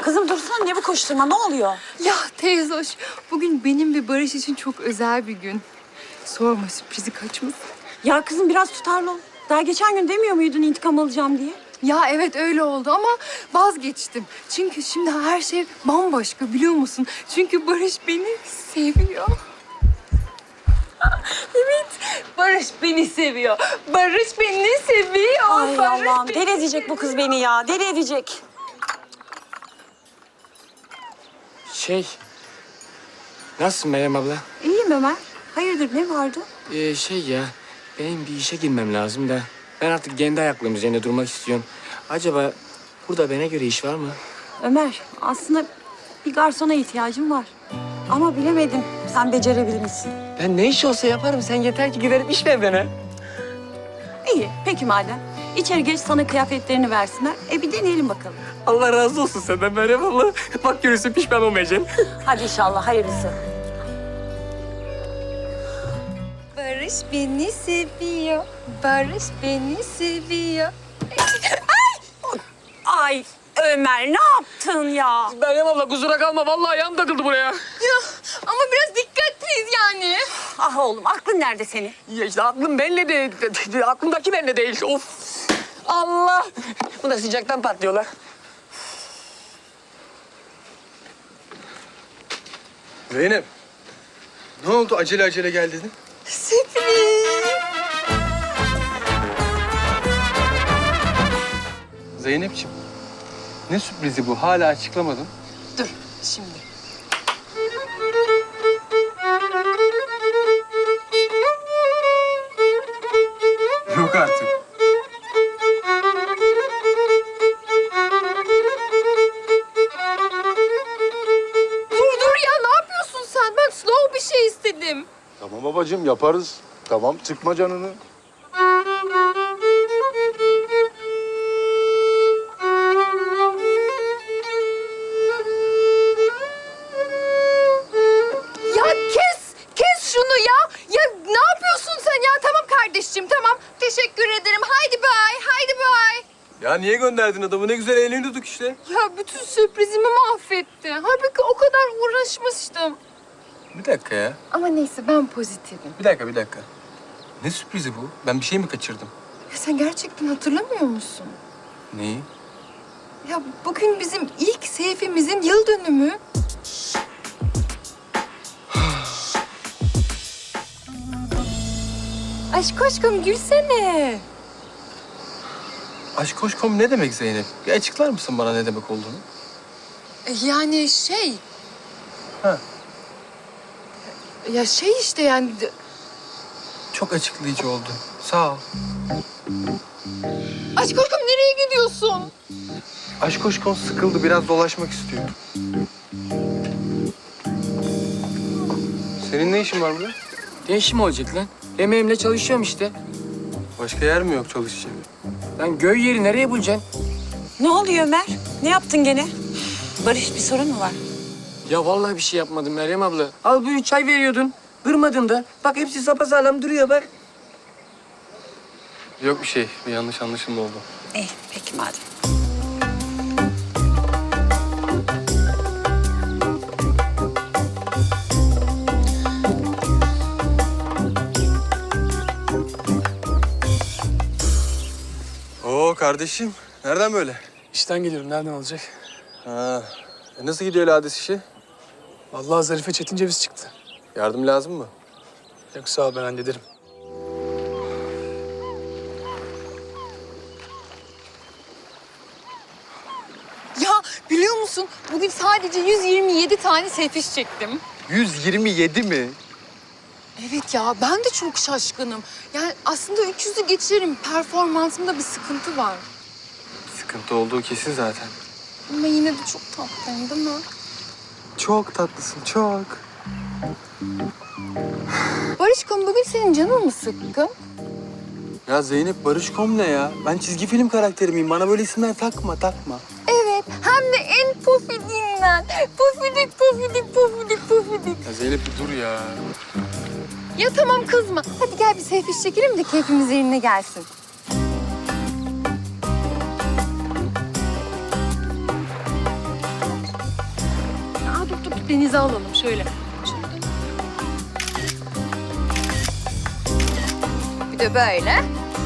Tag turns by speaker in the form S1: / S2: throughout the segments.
S1: Kızım dursana, ne bu koşturma, ne oluyor?
S2: Ya teyze hoş, bugün benim ve Barış için çok özel bir gün. Sorma, sürprizi kaçmasın.
S1: Ya kızım biraz tutarlı ol. Daha geçen gün demiyor muydun intikam alacağım diye?
S2: Ya evet öyle oldu ama vazgeçtim. Çünkü şimdi her şey bambaşka, biliyor musun? Çünkü Barış beni seviyor. Evet, Barış beni seviyor. Barış beni seviyor.
S1: Ay
S2: Barış
S1: Allah'ım,
S2: beni
S1: deli edecek bu kız beni ya, deli edecek.
S3: Nasılsın Meryem abla?
S1: İyiyim Ömer. Hayırdır, ne vardı?
S3: Benim bir işe girmem lazım da. Ben artık kendi ayaklarım üzerinde durmak istiyorum. Acaba burada bana göre iş var mı?
S1: Ömer, aslında bir garsona ihtiyacım var. Ama bilemedim, sen becerebilir misin?
S3: Ben ne iş olsa yaparım. Sen yeter ki giderip iş ver bana.
S1: İyi, peki madem. İçeri geç, sana kıyafetlerini versinler. Bir deneyelim bakalım.
S3: Allah razı olsun senden Meryem abla. Bak görürsün pişman olmayacaksın.
S1: Hadi inşallah, hayırlısı.
S2: Barış beni seviyor. Barış beni seviyor.
S1: Ay Ömer, ne yaptın ya?
S3: Meryem abla kusura kalma. Vallahi ayağım takıldı buraya.
S2: Ya ama biraz dikkatliyiz yani.
S1: Ah oğlum, aklın nerede senin?
S3: Ya işte aklım benimle de, aklımdaki benimle değil. Of. Allah. Bu da sıcaktan patlıyorlar.
S4: Zeynep, ne oldu? Acele acele gel dedin.
S2: Sürpriz.
S4: Zeynepciğim, ne sürprizi bu? Hala açıklamadın.
S2: Dur şimdi.
S4: Yok artık.
S2: Dur ya, ne yapıyorsun sen? Ben slow bir şey istedim.
S5: Tamam babacığım yaparız. Tamam sıkma canını.
S2: Ya kes şunu ya. Ya ne yapıyorsun sen ya? Tamam kardeşciğim, tamam. Teşekkür ederim. Haydi bye, haydi bye.
S4: Ya niye gönderdin adamı? Ne güzel eğleniyorduk işte.
S2: Ya bütün sürprizimi mahvetti. Halbuki o kadar uğraşmıştım.
S4: Bir dakika ya.
S2: Ama neyse, ben pozitifim.
S4: Bir dakika. Ne sürprizi bu? Ben bir şey mi kaçırdım?
S2: Ya sen gerçekten hatırlamıyor musun?
S4: Neyi?
S2: Ya bugün bizim ilk Seyfimizin yıl dönümü. Aşk aşkım gülsene.
S4: Aşkoşkom ne demek Zeynep? Bir açıklar mısın bana ne demek olduğunu?
S2: Yani şey...
S4: Ha.
S2: Ya şey işte yani...
S4: Çok açıklayıcı oldu. Sağ ol.
S2: Aşk aşkım nereye gidiyorsun?
S4: Aşkoşkom sıkıldı. Biraz dolaşmak istiyor. Senin ne işin var burada?
S3: Ne işim olacak lan? Emeğimle çalışıyorum işte.
S4: Başka yer mi yok çalışacak?
S3: Lan göy yeri nereye bulacaksın?
S1: Ne oluyor Ömer? Ne yaptın gene? Barış, bir sorun mu var?
S3: Ya vallahi bir şey yapmadım Meryem abla. Al buyur çay veriyordun. Kırmadın da. Bak hepsi sapasağlam duruyor bak.
S4: Yok bir şey. Bir yanlış anlaşılma oldu.
S1: İyi, peki madem.
S4: Oo kardeşim. Nereden böyle?
S6: İşten geliyorum. Nereden olacak?
S4: Ha. Nasıl gidiyor lades işi?
S6: Vallahi Zarife Çetin ceviz çıktı.
S4: Yardım lazım mı?
S6: Yok sağ ol, ben hallederim.
S2: Ya biliyor musun? Bugün sadece 127 tane selfish çektim.
S4: 127 mi?
S2: Evet ya, ben de çok şaşkınım. Yani aslında 300'ü geçerim. Performansımda bir sıkıntı var.
S4: Sıkıntı olduğu kesin zaten.
S2: Ama yine de çok tatlıyım değil mi?
S4: Çok tatlısın, çok.
S2: Barışkom, bugün senin canın mı sıkkın?
S4: Ya Zeynep Barışkom ne ya? Ben çizgi film karakteri miyim? Bana böyle isimler takma.
S2: Evet, hem de en pofidiğinden. Pofidik, pofidik, pofidik, pofidik.
S4: Ya Zeynep bir dur ya.
S2: Ya tamam, kızma. Hadi gel bir selfie çekelim de keyfimiz yerine gelsin. denize alalım şöyle. Bir de böyle.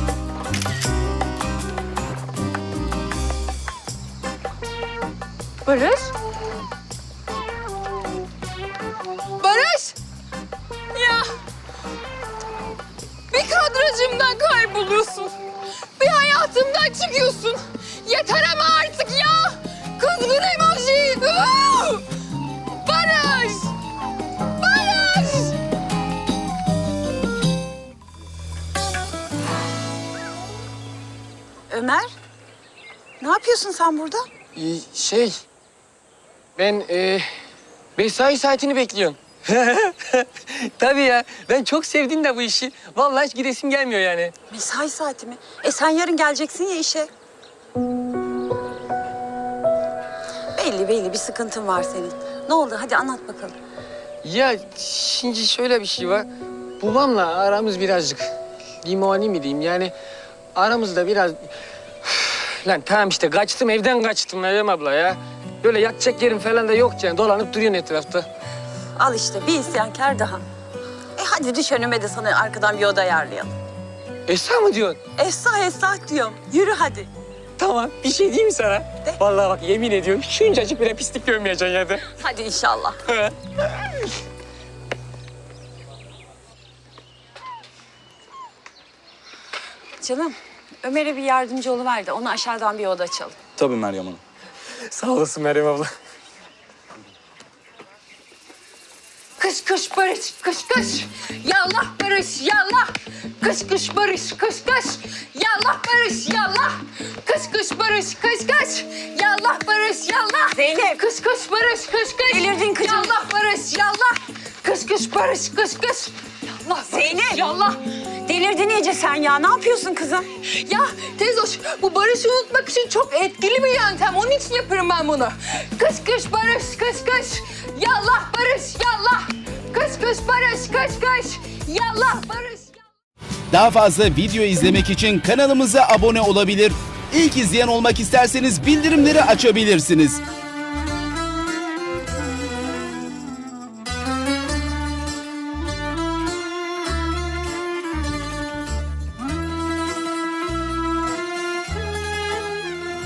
S2: Barış. Barış! Ya! Bir kadrajımdan kayboluyorsun. Bir hayatımdan çıkıyorsun. Yeter ama artık ya! Kızgın emoji! Uuu! Barış! Barış!
S1: Ömer, ne yapıyorsun sen burada?
S3: Şey, ben mesai saatini bekliyorum. Tabii ya, ben çok sevdim de bu işi. Vallahi hiç gidesim gelmiyor yani.
S1: Mesai saati mi? Sen yarın geleceksin ya işe. Belli bir sıkıntın var senin. Ne oldu? Hadi anlat bakalım.
S3: Ya şimdi şöyle bir şey var. Babamla aramız birazcık limoni mi diyeyim yani aramızda biraz... Lan tamam işte kaçtım evden kaçtım Meryem abla ya. Böyle yatacak yerim falan da yok yani dolanıp duruyorsun etrafta.
S1: Al işte bir isyankar daha. Hadi düş önüme de sana arkadan bir oda ayarlayalım.
S3: Esra mı diyorsun?
S1: Esra diyorum. Yürü hadi.
S3: Tamam bir şey diyeyim mi sana?
S1: De.
S3: Vallahi bak yemin ediyorum şuncacık bile pislik görmeyeceksin ya de.
S1: Hadi inşallah. Canım, Ömer'e bir yardımcı oluver de ona aşağıdan bir oda açalım.
S4: Tabii Meryem Hanım.
S3: Sağ olasın Meryem abla.
S2: Kış kış barış, kış kış. Yallah barış, yallah. Kış kış barış, kış kış. Yallah barış, yallah. Kış kış barış, kış kış. Yallah barış, yallah.
S1: Zeynep.
S2: Kış kış barış, kış kış.
S1: Delirdin kızım.
S2: Yallah barış, yallah. Kış kış barış, kış kış. Yallah
S1: Zeynep.
S2: yallah.
S1: Delirdin iyice sen ya. Ne yapıyorsun kızım?
S2: Ya teyzoş, bu barışı unutmak için çok etkili bir yöntem. Onun için yaparım ben bunu. Kış kış barış, kış kış. Yallah barış, yallah. Kış kış barış, kış kış. Yallah barış.
S7: Daha fazla video izlemek için kanalımıza abone olabilir. İlk izleyen olmak isterseniz bildirimleri açabilirsiniz.